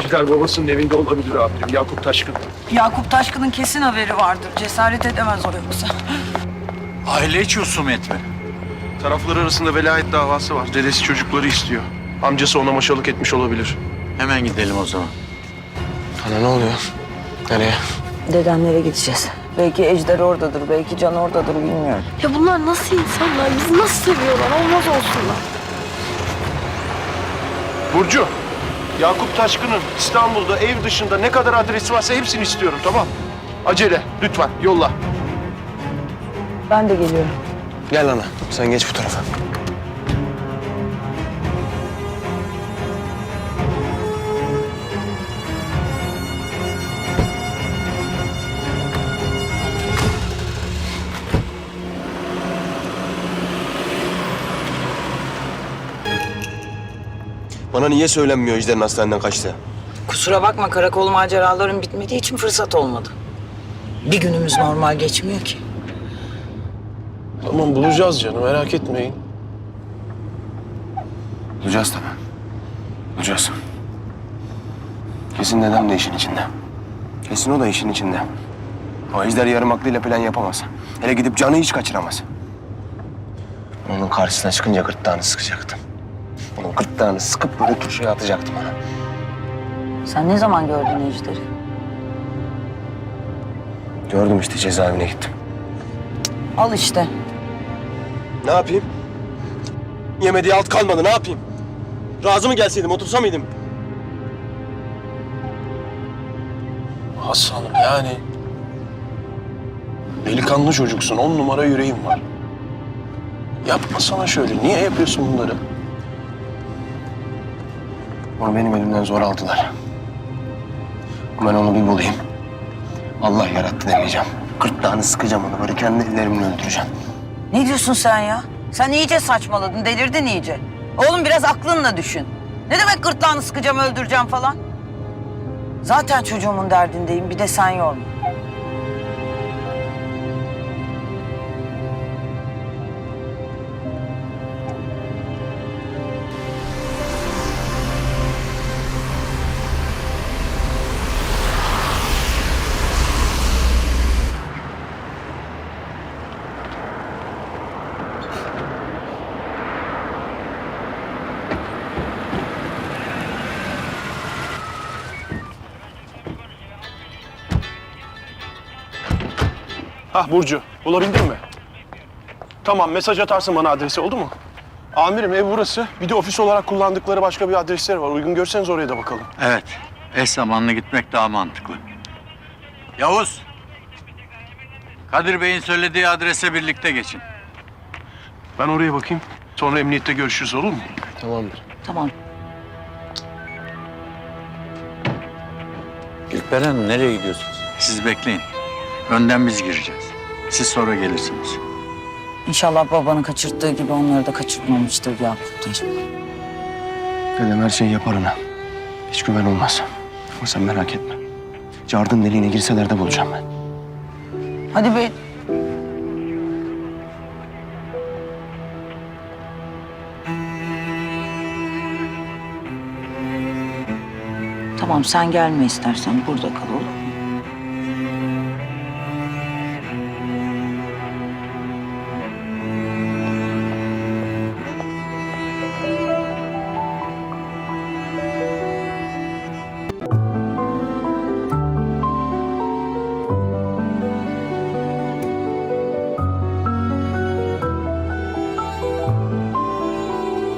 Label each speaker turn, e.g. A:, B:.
A: Ejder babasının evinde olabilir amirim. Yakup Taşkın.
B: Yakup Taşkın'ın kesin haberi vardır. Cesaret edemez o yoksa.
C: Aile içi husumet mi?
A: Taraflar arasında velayet davası var. Dedesi çocukları istiyor. Amcası ona maşalık etmiş olabilir.
C: Hemen gidelim o zaman.
A: Ana ne oluyor? Nereye?
B: Dedemlere gideceğiz. Belki Ejder oradadır, belki Can oradadır bilmiyorum.
D: Ya bunlar nasıl insanlar? Bizi nasıl seviyorlar? Olmaz olsunlar.
A: Burcu, Yakup Taşkın'ın İstanbul'da ev dışında ne kadar adresi varsa hepsini istiyorum, tamam? Acele, lütfen yolla.
B: Ben de geliyorum.
A: Gel ana, sen geç bu tarafa.
E: Bana niye söylenmiyor Ejder'in hastaneden kaçtı?
B: Kusura bakma, karakol maceraların bitmediği için fırsat olmadı. Bir günümüz normal geçmiyor ki.
A: Tamam bulacağız canım, merak etmeyin.
E: Bulacağız tabii. Bulacağız. Kesin dedem de işin içinde. Kesin o da işin içinde. O Ejder yarım aklıyla plan yapamaz. Hele gidip Can'ı hiç kaçıramaz. Onun karşısına çıkınca gırtlağını sıkacaktım. Onun gırtlağını sıkıp böyle turşuya atacaktım ona.
B: Sen ne zaman gördün Ejder'i?
E: Gördüm işte, cezaevine gittim.
B: Al işte.
E: Ne yapayım? Yemediği alt kalmadı, ne yapayım? Razı mı gelseydim, otursa mıydım?
A: Hasan'ım yani... Delikanlı çocuksun, 10 numara yüreğim var. Yapma sana şöyle, niye yapıyorsun bunları?
E: Onu benim elimden zor aldılar. Ben onu bir bulayım. Allah yarattı demeyeceğim. Gırtlağını sıkacağım onu, böyle kendi ellerimle öldüreceğim.
B: Ne diyorsun sen ya? Sen iyice saçmaladın, delirdin iyice. Oğlum biraz aklınla düşün. Ne demek gırtlağını sıkacağım, öldüreceğim falan? Zaten çocuğumun derdindeyim, bir de sen yorma.
A: Hah Burcu, bulabildin mi? Tamam, mesaj atarsın bana adresi, oldu mu? Amirim ev burası. Bir de ofis olarak kullandıkları başka bir adresleri var. Uygun görseniz oraya da bakalım.
C: Evet. Eş zamanlı gitmek daha mantıklı. Yavuz. Kadir Bey'in söylediği adrese birlikte geçin.
A: Ben oraya bakayım. Sonra emniyette görüşürüz, olur mu?
E: Tamamdır.
B: Tamam.
C: İlper Hanım nereye gidiyorsunuz? Siz bekleyin. Önden biz gireceğiz. Siz sonra gelirsiniz.
B: İnşallah babanın kaçırttığı gibi onları da kaçırtmamıştır Yakup Taşkın.
E: Dedem her şeyi yapar ona. Hiç güven olmaz. Ama sen merak etme. Cardın deliğine girseler de bulacağım ben.
B: Hadi be. Tamam, sen gelme istersen, burada kal, olur mu?